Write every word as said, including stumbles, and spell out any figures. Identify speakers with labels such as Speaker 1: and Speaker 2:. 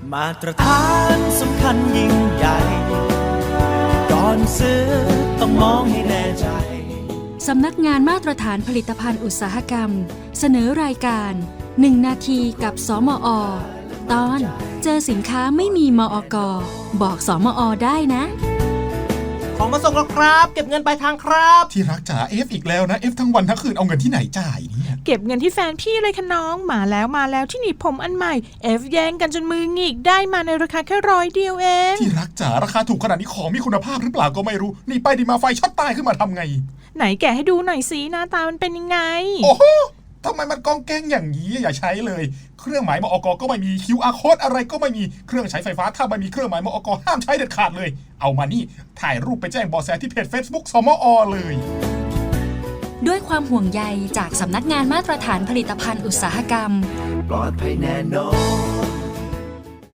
Speaker 1: มาตรฐานสำคัญยิ่งใหญ่ก่อนซื้อต้องมองให้แน่ใจ
Speaker 2: สำนักงานมาตรฐานผลิตภัณฑ์อุตสาหกรรมเสนอรายการหนึ่งนาทีกับสมอ.ตอนเจอสินค้าไม่มีมอก.บอกสมอ.ได้นะ
Speaker 1: ของมาส่งแล้วครับเก็บเงินปลายทางครับ
Speaker 3: ที่รักจ๋าเอฟอีกแล้วนะเอฟทั้งวันทั้งคืนเอาเงินที่ไหนจ่ายเนี่ย
Speaker 4: เก็บเงินที่แฟนพี่เลยค่ะน้องมาแล้วมาแล้วที่หนีบผมอันใหม่เอฟแย่งกันจนมือหงิกได้มาในราคาแค่ร้อยเดียวเอง
Speaker 3: ที่รักจ๋าราคาถูกขนาดนี้ของมีคุณภาพหรือเปล่าก็ไม่รู้นี่ไปดีมาไฟช็อตตายขึ้นมาทำไง
Speaker 4: ไหนแกะให้ดูหน่อยสิหน้าตามันเป็นยังไง
Speaker 3: โอ้โหทำไมมันกองแกงอย่างนี้อย่าใช้เลยเครื่องหมายมอก.ก็ไม่มี คิว อาร์ Code อะไรก็ไม่มีเครื่องใช้ไฟฟ้าถ้าไม่มีเครื่องหมายมอก.ห้ามใช้เด็ดขาดเลยเอามานี่ถ่ายรูปไปแจ้งเบาะแสที่เพจ Facebook สมอ.เลย
Speaker 2: ด้วยความห่วงใยจากสำนักงานมาตรฐานผลิตภัณฑ์อุตสาหกรรม
Speaker 1: ปลอดภัยแน่นอน